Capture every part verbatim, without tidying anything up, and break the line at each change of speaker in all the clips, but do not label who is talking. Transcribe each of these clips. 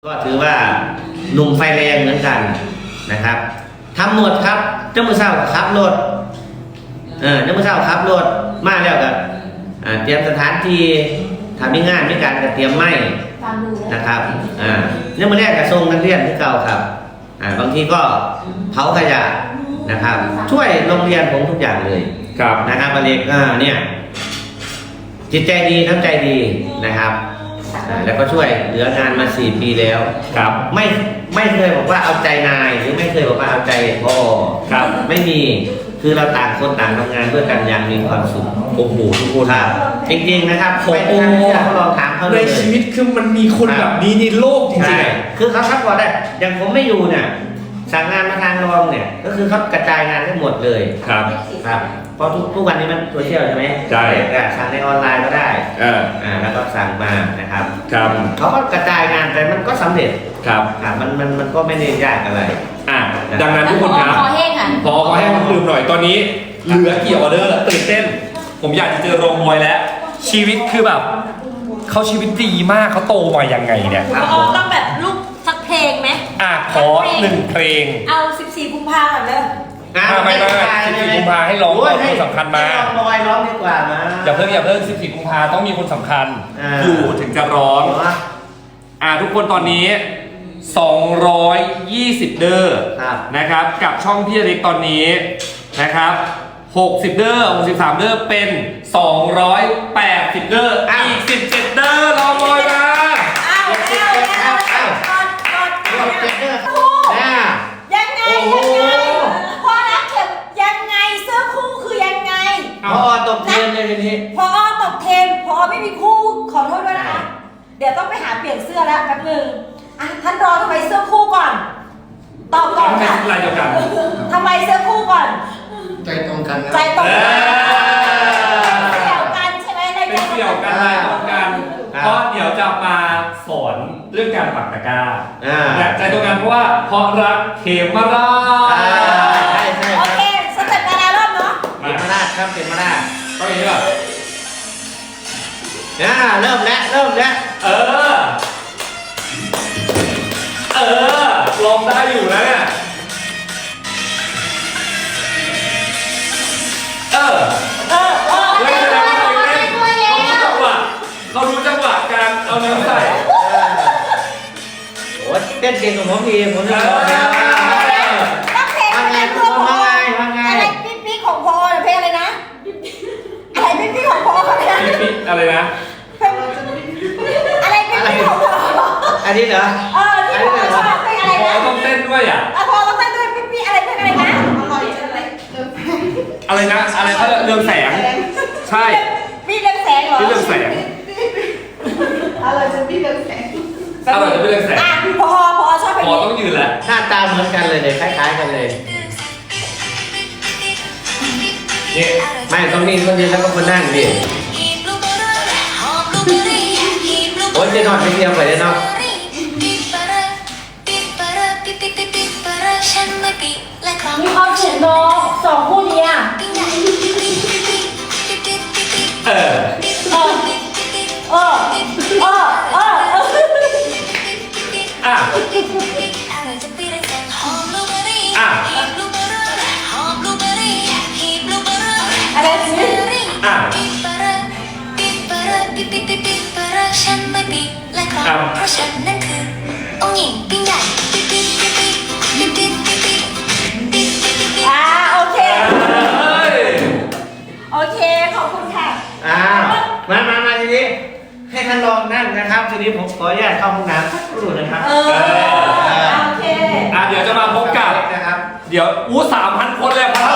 ก็ถือว่าหนุ่มไฟแรงเหมือนกันนะครับทำหมดครับเจ้ามือเศร้าขับรถเออเจ้ามือเศร้าขับรถมาแล้วกับเตรียมสถานที่ทำมีงานมีการเตรียมไม้นะครับอ่าเนี่ยมือแรกกระทรวงนักเรียนที่เก่าครับอ่าบางทีก็เผาขยะนะครับช่วยโรงเรียนผมทุกอย่างเลยครับนะครับอเล็กอ่าเนี่ยจิตใจดีน้ำใจดีนะครับแล้วก็ช่วยเหลืองานมาสี่ปีแล้วครับไม่ไม่เคยบอกว่าเอาใจนายหรือไม่เคยบอกว่าเอาใจพ่อครับไม่มีคือเราต่างคนต่างทำงานด้วยกันอย่างมีความสุขโอ้โหทุกคนครับจริงๆนะครับโอ้โหเขาลองถามเขาเลยใน
ชีวิตคือมันมีคนแบบนี้ในโลกจริง
ๆคือเขาซัพพอร์ตได้อย่างผมไม่อยู่เนี่ยสั่งงานมาทางรองเนี่ยก็คือเขากระจายงานให้หมดเลยครับครับเพราะทุกทุกวันนี้มันโซเชียลใช่ไหมใช่สั่งในออนไลน์ก็ได้อ่าแล้วก็สั่งมานะครับครับเขาก็กระจายงานแต่มันก็สำเร็จครับอ่ามันมันมันก็ไม่ได้ยากอะไร
อ่าดังนั้นทุกคนครับ
พอแห้งค่ะ
พอขอแห้งลืมหน่อยตอนนี้เหลือกี่ออเดอร์ตื่นเต้นผมอยากจะเจอโรงมวยแล้วชีวิตคือแบบเขาชีวิตดีมากเขาโตมายังไงเนี่ย
ต้องแบบลูกสักเพลงไหม
อ่ะขอหนึ่งเพลง
เอาสิบสี่กุมภาพันธ์เลย
ไม่ไม่สิบสี่กุมภาให้ร้องคนสำคัญมา
ร้องบอยร้องดีกว่ามา
อย่าเพิ่งอย่าเพิ่งสิบสี่กุมภาต้องมีคนสำคัญอยู่ถึงจะร้องอ่าทุกคนตอนนี้สองร้อยยี่สิบเดอร์นะครับกับช่องพี่เล็กตอนนี้นะครับหกสิบเดอร์หกสิบสามเดอร์เป็นสองร้อยแปดสิบเดอร์อีกสิบเจ็ดเดอร์รอมอยมา
อ้าวอ้าวอ้าวอ้าว
เจ็ดเดอร์
ยังไงยังไงพอรักเข็มยังไงเสื้อคู่คือยังไง
พอตกเทรนเลยทีนี้
พอตกเทรนพอไม่มีคู่ขอโทษด้วยนะคะเดี๋ยวต้องไปหาเปลี่ยนเสื้อแล้วแป๊บนึงอ่ะท่านรอทำไมเสื้อคู่ก่อนตอบก่อนค่ะ
ทำไมเดียวกัน
ทำไมเสื้อคู่ก่อน
ใจตรงกัน
ใจตรงกันเกี่ยวกันใช่ไหมในใจ
เกี่ยวกันใจตรงกันเพราะเดี๋ยวจะมาสอนเรื่องการปักตะกร้าใจตรงกันเพราะว่าเพราะรักเขมราช
ใช่ใช่
โอเคสเต็ปการรอบเนาะ
เขมราชครับเขมราช
ต้องอย่างนี้ป่ะ
อ่าเริ่มแล้วเริ่มแล้ว
เออเออลองได้อยู่นะเนี่ยเออ
เออเออ
เล่นแล้วเล่นเขารู้จังหวะเขารู้จังหวะการเอาเนื้อใส่
โอ้เต้นเก่งกว่าผมอีกผมจะบอกนะ
ต้องเพลงอะไรเพื่อนพออะไรปิ๊กปิ๊กของพอเพลงอะไรนะอะไรปิ๊กปิ๊กของพออะไรนะ
ปิ๊กปิ๊กอะไรนะ
อะไรปิ๊กปิ๊กของพอ
อันนี้เหรอ
เออที่พอชอบเพลงอะไรนะ
พอต้องเต้นด้วยอ่ะ
พอต้องเต้นด้วยปิ๊กปิ๊กอะไรเพลงอะไรนะ
อะไรนะอะไรเขาเรื่องแสงใช่
พี่เรื่องแสงเหรอ
พี่เรื่องแสง
อะไรจะพี่เรื่องแสง
อะไรจะพี่เรื่องแสง
อ่ะพอพอชอบเพลง
พอต้องยืนแหละ
หน้าตาเหมือนกันเลยเนี่ยคล้ายๆกันเลยนี่ไม่ต้องนี่ต้องยืนแล้วก็คนนั่งดิโอ้ยจะนอนไปเที่ยวไปได้เนาะ
มีความสุขเนาะสองคู่นี้อ่ะ
เออ
เออเออเออเออ
อ่ะอ่ะ
อะไรสิ
อ่ะ
ฉันไม่ปีและครองเพราะฉันนั่นคือองค์หญิงปิ้งใหญ่ปิ๊กปิ๊กปิ๊กปิ๊กปิ๊กปิ๊กปิ๊กปิ๊กปิ๊กปิ๊กปิ๊กปิ๊ก
อ่าโอเคโอเคขอบคุณค่ะ
อ่ามามามาทีนี้ให้ท่านลองนั่งนะครับทีนี้ผมขออนุญาตเข้าห้องน้ำสักครู่นะครับ
เออโอเค
อ่ะเดี๋ยวจะมาพบกับ
นะครับ
เดี๋ยวอู้สามพันคนเลยครับ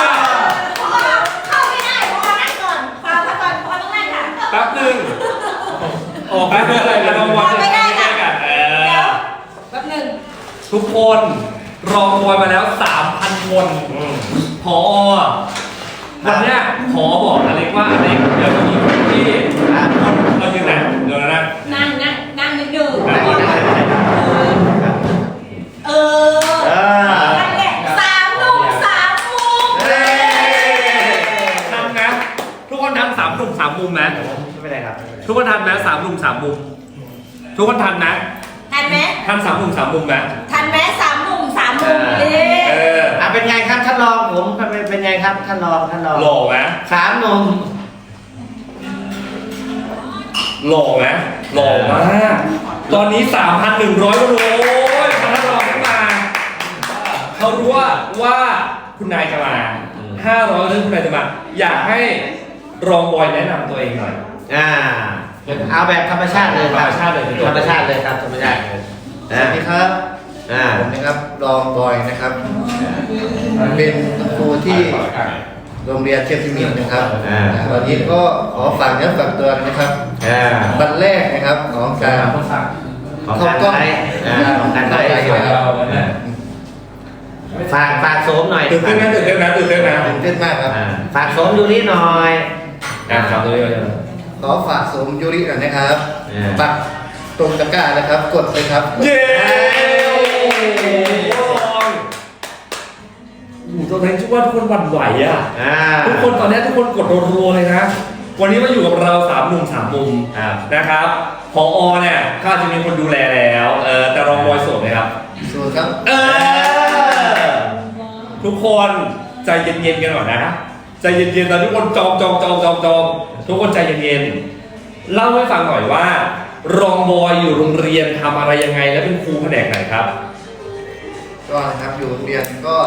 เข้าไม่ได้พอนั่งก่อนฟังก่อนพอต้องนั่งค่ะ
แป๊บนึงออกไปเพื่ออะไรกันรางวัล
ไม่ได้ค่ะ
เอ
อแป๊บนึง
ทุกคนรองมวยมาแล้ว สามพัน คนพอวันนี้ขอบอกอเล็กว่าอเล็กเดี๋ยวจะมีคนที่เรายืนไหนเดี๋ยวนะ
นั่งนั่งนั่งนิดนึงเออนั่นแหละสามหนุ่มสามมุม
ทำนะทุกคนทำสามหนุ่มสามมุมนะ
ไม่เป็นไรครับ
ทุกคนทำนะสามหนุ่มสามมุมทุกคนทำนะ
ทันไหม
ท่านสามหนุ่มสามมุมไหม
ทันไหมสามหนุ่มสามมุม
อ่า
นี่
เออ
อ่ะเป็นไงครับท่านรองผมเป็นเป็นไงครับท่านรองท่านรอง
หล่อไหม
สามหนุ่ม
หล่อไหมหล่อมากตอนนี้ สามพันหนึ่งร้อยคนโอ้ยท่านรองขึ้นมาเขารู้ว่าว่าคุณนายจะมาห้าร้อยเรื่องคุณนายจะมาอยากให้รองบอยแนะนำตัวเองหน่อย
อ่าเอาแบบธรรมชาติเลยค
ธร
รับ
รมชาติเลย
ธรรมชาติเลยครับธรรมชาติเลย
สวัสดีครับ
อ่า
ผมนะครับรองบอยนะครับ เป็นครูที่โรงเรียนเทพพิมิตรนะครับ
อ่า
วันนี้ก็ขอฝากเนื้อฝากตัวนะครับ
อ่า
วันแรกนะครับของการ
ของการไลฟ์อ่าของการไลฟ์
เข้าใจ
ฝากฝากโสมหน่อย
ตื่นเต้นนะตื่นเต้นนะตื่นเต้นนะ
ตื่นเต้นมากครับ
อ่าฝากโสมดูนิดหน่อย
อ่ะครับตัวนี้เลย
ขอฝากสมยูริหน่อยนะครับ
อ่า
ปักตรงตะกร้านะครับ กดเลยครับ
เย้โอ้โหตอนนี้ชุดว่าทุกคนหวั่นไหวอ่ะ
อ่า
ทุกคนตอนนี้ทุกคนกดรัวๆเลยนะ วันนี้มาอยู่กับเราสามหนุ่มสามมุม
ครับ
นะครับพอเนี่ยก็อาจจะมีคนดูแลแล้วเออแต่รองบอยโสดไหมครับ
สู้ครับ
เออ ทุกคนใจเย็นๆกันก่อนนะใจเย็นๆตอนทุกคนจองจองจองจองจองทุกคนใจเย็นๆเล่าให้ฟังหน่อยว่า รองบอยอยู่โรงเรียนทำอะไรยังไงและเป็นครูแผนกไหนครับ
ก็นะครับอยู่โรงเรียนก็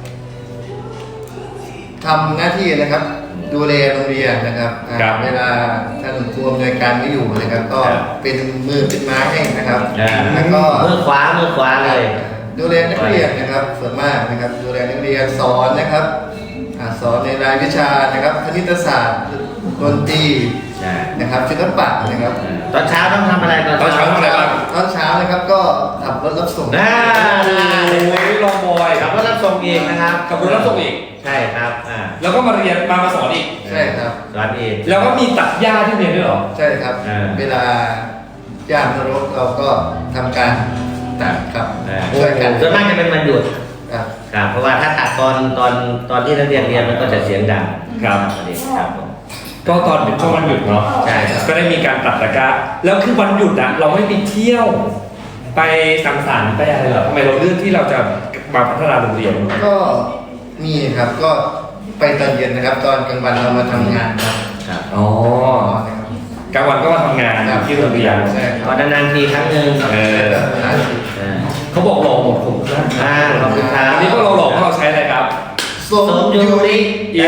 ทำหน้าที่นะครับ ดูแลโรงเรียนนะครับอ่า
ครับ
เวลาท่านครูอำนวยการไม่อยู่นะครับ ก็
ครับ
เป็นมือเป็นไม้ให้นะครับ
อ่า
แล้วก็
มือขวามือขวาเลย
ดูแลนักเรียนนะครับส่วนมากนะครับ ดูแลนักเรียนสอนนะครับอ่าสอนในรายวิชานะครับคณิตศาสตร์ดนตรี
ใช่
นะครับศิลปะนะครับ
ตอนเช้าต้องทำอะไรตอน
ตอนเช้าทำอะไรบ้าง
ตอนเช้านะครับก็ขับรถรับส่ง
อ่า
โอ้ยรองบอย
ขับรถรับส่งเองนะครับ
ขับรถรับส่งอีก
ใช่ครับอ่า
แล้วก็มาเรียนมามาสอนอีก
ใช่ครับ
สอนเอง
แล้วก็มีตัดหญ้าที่เรียนด้วยเหรอ
ใช่ครับ
อ่า
เวลาย่างรถเราก็ทำการตัดครับ
อ่า
ช่วยกัน
ส่วนมากจะเป็นวันหยุด
ครับ
ครับเพราะว่าถ้าตัดตอนตอนตอนที่นักเรียนเรียนมันก็จะเสียงดัง
ครับ
ประเด็นครับผม
ก็ตอนเป็นช่วงวันหยุดเนาะ
ใช่ครับ
ก็ได้มีการตัดตะกร้าแล้วคือวันหยุดอะเราไม่ไปเที่ยว ไปสังสรรค์ไปอะไรเหรอทำไมเราเลือกที่เราจะมาพัฒนาโรงเรียน
ก็มีครับก็ไปตอนเย็นนะครับ ตอนกลางวันเรามาทำงานครับ
ครับ
อ๋อกลางวันก็มาทำงานที่โรงเรียน
ใช่ค
ก็
รับ
นานๆทีครั้งหนึ่ง
เออ
อ่า
เขาบอกหล่อหมดผมนะ
อ่าขอบคุณครับ
อันนี้ก็เราหล่อเพราะเราใช้อะไรครับ
สม
สม
ยู
ยู
ริ
ริ
เย้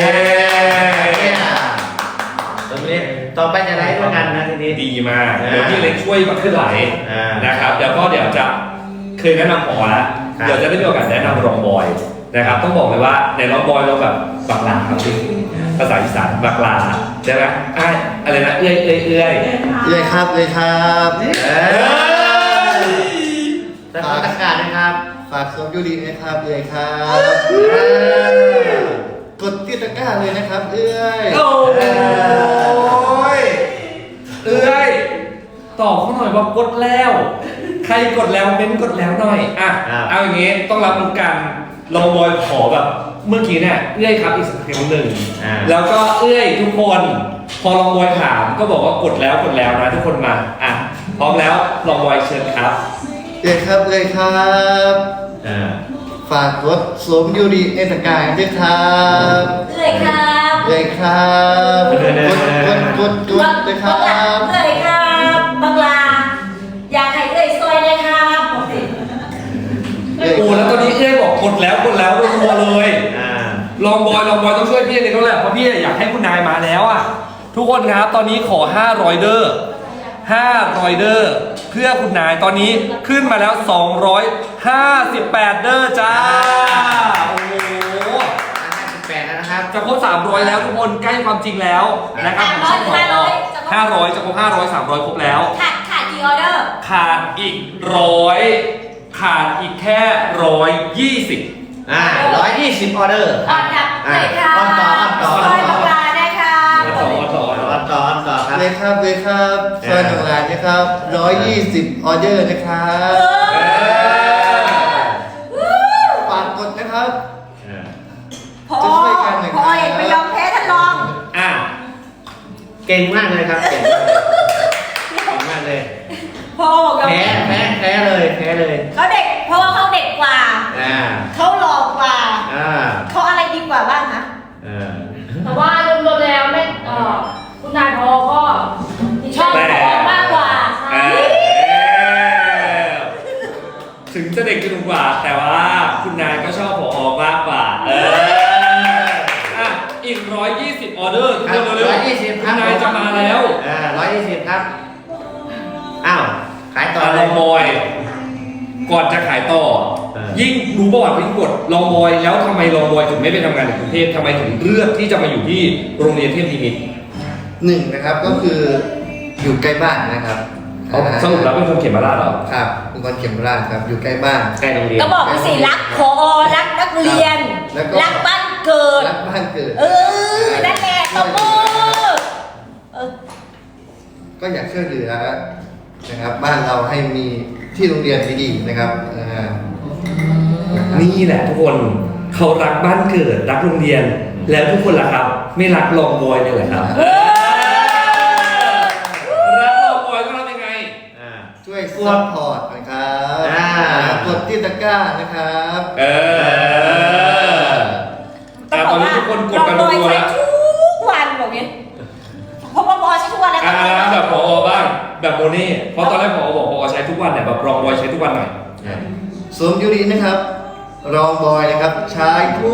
สมยูริต่อไปจะไลฟ์ด้วยกันนะทีนี้
ดีมาก
อ่า
เดี๋ยวพี่เล็กช่วยมาขึ้นไหล
อ่าน
นะครับเดี๋ยวก็เดี๋ยวจะเคยแนะนำพอแล้ว
ครับ
เดี๋ยวจะได้มีโอกาสแนะนำรองบอยนะครับต้องบอกเลยว่าในรองบอยเราแบบบักหลาครับพี่ภาษาอีสานบักหลาใช่ไหมอ่ะอะไรนะเอื้อยเอื้อยเอื้อย
เลยครับเลยครับ
เออสถานการณ์นะครับ
ฝากสมยูรินะครับเลยครับ
เออก
ดที่ตะกร้าเลยนะครับเอ้ย
โอ้ยเอื้อยตอบเขาหน่อยว่ากดแล้ว ใครกดแล้วเม้นกดแล้วหน่อยอ่ะเอาอย่างงี้ต้องรับรู้กันรองบอยขอแบบเมื่อกี้เนี่ยเอื้อยครับอีกสักครั้งหนึ่ง
อ่า
แล้วก็เอื้อยทุกคนพอลองบอยถามก็บอกว่ากดแล้วกดแล้วนะทุกคนมาอ่ะพร้อมแล้วลองบอยเชิญครับ
เลยครับเลยครับ
อ่า
ฝากกดสมยูริในตะกร้าด้วยครับ
เลยครับ
เลยครับกดกดกดกดเลยครับ
เลยครับบังลาอยากให้เลยซอยเลยครับบอกสิ
โอ้แล้วตอนนี้เอื้อยบอกกดแล้วกดแล้วรัวๆเลย
อ่า
ลองบอยลองบอยต้องช่วยพี่ในนั้นแหละเพราะพี่อยากให้คุณนายมาแล้วอ่ะทุกคนครับตอนนี้ขอห้าร้อยเดอร์ห้าร้อยเดอร์เพื่อคุณนายตอนนี้ขึ้นมาแล้วสองร้อยห้าสิบแปดเดอร์จ้าโอ้โห
ห้าสิบแปดแล้วนะครับ
จะครบสามร้อยแล้วทุกคนใกล้ความจริงแล้วนะครับผมช่องขอห้าร้อยจะครบห้าร้อยสามร้อยครบแล้ว
ขาดขาดกี่ออเดอร์
ขาดอีกร้อยขาดอีกแค่ร้อยยี่สิบ
อ่าร้อยยี่สิบออเดอร์
ออนครับ
อ่า
เลยครับ
ออนต่อออนต่อ
ซอยบังลาได้ครับ
ต่อต่อ
ออนต่อออนต่อครับ
เลยครับเลยครับซอยหนึ่งล้านนะครับร้อยยี่สิบออเดอร์นะครับฝากกดนะครับ
พอ
จะช่วยกันหน่อยครับ
พอเอกไม่ยอมแพ้ท่านรอง
อ่ะ
เก่งมากเลยครับ เก่งมากเลยเก่งมากเลย
พอบอกยอม
แพ้
แพ้
แพ้แพ้เลยแพ้เลย
เขาเด็กเพราะว่าเขาเด็กกว่า
อ่า
เขาหล่อกว่า
อ่า
เขาอะไรดีกว่าบ้างคะ
เออ
แต่ว่ารวมๆแล้วแม่เอ่อคุณนายพอก็ชอบพอมากกว่า
เออถึงจะเด็กจะหนุ่มกว่า แต่ว่าคุณนายก็ชอบผอมากกว่าเอออ่ะอีกร้อยยี่สิบออเดอร์
ครับ
เร็วๆ
ร้อยยี่สิบครับ
คุณนายจะมาแล้ว
อ่าร้อยยี่สิบครับ อ้าว ขายต่อ
ต่อ
เล
ลอย งบอย ก่อนจะขายต่อ
เออ
ยิ่งรู้ประวัติยิ่งกดลองบอยแล้วทำไมลองบอยถึงไม่ไปทำงานในกรุงเทพทำไมถึงเลือกที่จะมาอยู่ที่โรงเรียนเทพนิมิตร
หนึ่งนะครับก็คืออยู่ใกล้บ้านนะครับ
เอาสรุปแล้วเป็นคนเขียนมาลาดเหรอ
ครับเป็นคนเขียนโบราณครับอยู่ใกล้บ้าน
ใกล้โรงเรียน
ก็บอกไปสิรักพอรักนักเรียน
แล้วก็
รักบ้านเกิด
รักบ้านเกิด
เออนั่นแหละตบมือเออ
ก็อยากช่วยเหลือนะครับ บ้านเราให้มีที่โรงเรียนดีๆนะครับอ่า
นี่แหละทุกคนเขารักบ้านเกิดรักโรงเรียน แล้วทุกคนล่ะครับ ไม่รักลองบอยเนี่ยเหรอครับรักลองบอยก็ทำยังไง
อ่า
ช่วยซัพพอร์ตนะครับ
อ่า
กดที่ตะกร้านะครับ
เออแต่ตอนนี้ทุกคนกดกัน
เรา
รัวๆ
ใช้
แล้ว
ทุกวันแบบนี้เพราะว่าบอยใช้ทุกวันแล้ว
อ่าแบบพอบ้างแบบโมนี่เพราะตอนแรกพอบอกพอใช้ทุกวันเนี่ยแบบลองบอยใช้ทุกวันหน่อย
สวมยูรินะครับ รองบอยนะครับใช้ทุ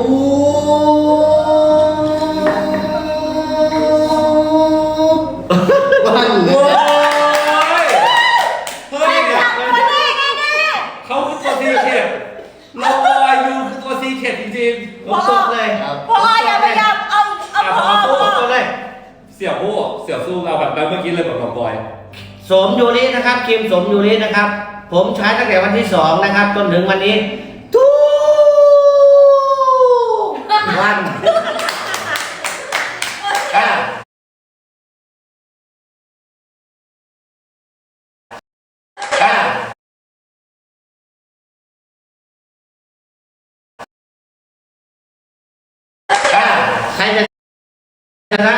กวันเล
โอ้
ย
ยเฮ้ย
จับมาได้แน่
เขาคือตัวซีเคทลองบอยยูคือตัวซีเคทจริง
ผมตกเลย
ครับ
ๆพออย่าพยายามเอาเอาพอ
ผม
พอ
ตกเลย
ๆเสี่ยวผู้เสี่ยวสู้เราแบบแบบเมื่อกี้เลยแบบลองบอย
สมยูรินะครับครีมสมยูรินะครับ ผมใช้ตั้งแต่วันที่สองนะครับจนถึงวันนี้ทุกวันอ่าอ่าอ่าใครจะชนะ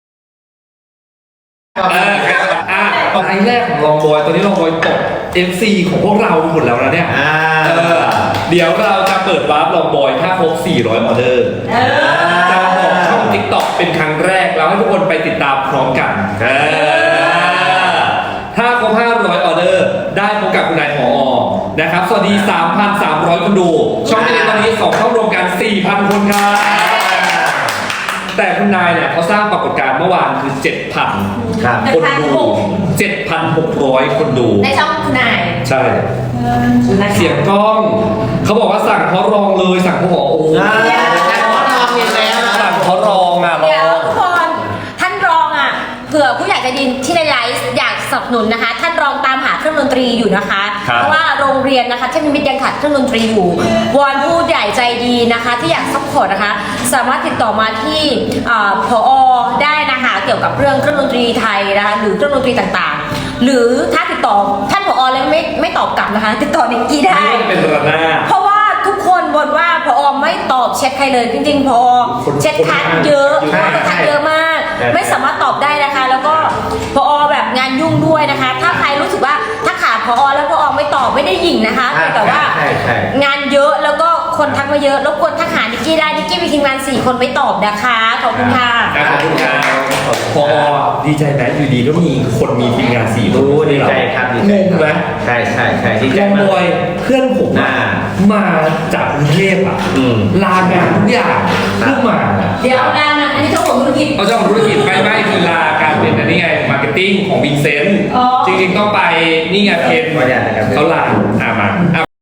เอออ่ะตอนแรกของลองบอยตอนนี้ลองบอยตก เอฟ ซี ของพวกเราหมดแล้วนะเนี่ย
อ่า
เออเดี๋ยวเราจะเปิดวาร์ปลองบอยถ้าครบสี่ร้อยออเดอร์
เออ
จะบอกช่อง TikTok เป็นครั้งแรกแล้วให้ทุกคนไปติดตามพร้อมกันเออถ้าครบห้าร้อยออเดอร์ ได้พบกับคุณนายผอนะครับ สวัสดี สามพันสามร้อย คนดู ช่องนี้ตอนนี้สองช่องรวมกัน สี่พัน คนครับ แต่คุณนายเนี่ยเขาสร้างปรากฏการณ์เมื่อวานคือ เจ็ดพัน
ครับ
คนดู เจ็ดพันหกร้อย คนดู
ในช่องคุณนาย
ใช่ เสียงกล้อง เขาบอกว่าสั่งเขารองเลยสั่งเขาบอกโอ้โห
อ่าแต่ขอลองอีกแล้วนะ
สั่งเขารองอ่ะร
เดี๋ยว
อง
ทุกคนท่านรองอ่ะเผื่อผู้ใหญ่ใจะดินที่ในไลฟ์อยากสนับสนุนนะคะ ท่านรองตามหาเครื่องดนตรีอยู่นะคะ
ครับ
เพราะว่าโรงเรียนนะคะเทพนิมิตรยังขาดเครื่องดนตรีอยู่วอนผู้ใหญ่ใจดีนะคะ ที่อยากซัพพอร์ตนะคะ สามารถติดต่อมาที่อ่าผอได้นะคะเกี่ยวกับเรื่องเครื่องดนตรีไทยนะคะหรือเครื่องดนตรีต่างๆ หรือถ้าติดต่อท่านผอแล้วไม่ไม่ตอบกลับนะคะ ติดต่อนิกกี้ได้
นี่ก็จะเป็นระนาด
เพราะว่าทุกคนบ่นว่าพอไม่ตอบแชทใครเลย จริงๆพอ
คน
แชทคัดเยอะ
ใช่
คนคัดเยอะมาก
ใช่
ไม่สามารถตอบได้นะคะ แล้วก็พอแบบงานยุ่งด้วยนะคะ ถ้าใครรู้สึกว่าถ้าขาดพอแล้วพอไม่ตอบไม่ได้หยิ่งนะคะ
ใช่
แต่ว่า
ใช่ใช่
งานเยอะแล้วก็คนทักมาเยอะรบกวนทักหานิกกี้ได้นิกกี้มีทีมงานสี่คนไม่ตอบนะคะขอบคุณค่ะ
ขอบคุณครับพอดีใจไหมอยู่ดีก็มีคนมีทีมงานสี่
โอ้ดีใจครับดีใจ
งง
ครับ
ไหม
ใช่ใช่ใช่ดีใจ
ลอง
มา
บอย
ก
เพื่อนผมอะ
อ่า
มาจากกรุงเทพอ่ะ
อืม
ลางานทุกอย่าง
ครับ
เพื่อมาอะ
เดี๋ยวงานนั้นอันนี้เจ้าของธุรกิจ
เขาเจ้าของธุรกิจไม่ไม่คือลาการเป็นอันนี้ไงมาร์เก็ตติ้งของวินเซนต์
อ๋อ
จริงๆต้องไปนี่ไงเพน
ขออนุญาตนะครับ
เขาลาอ่ามาอ่ะ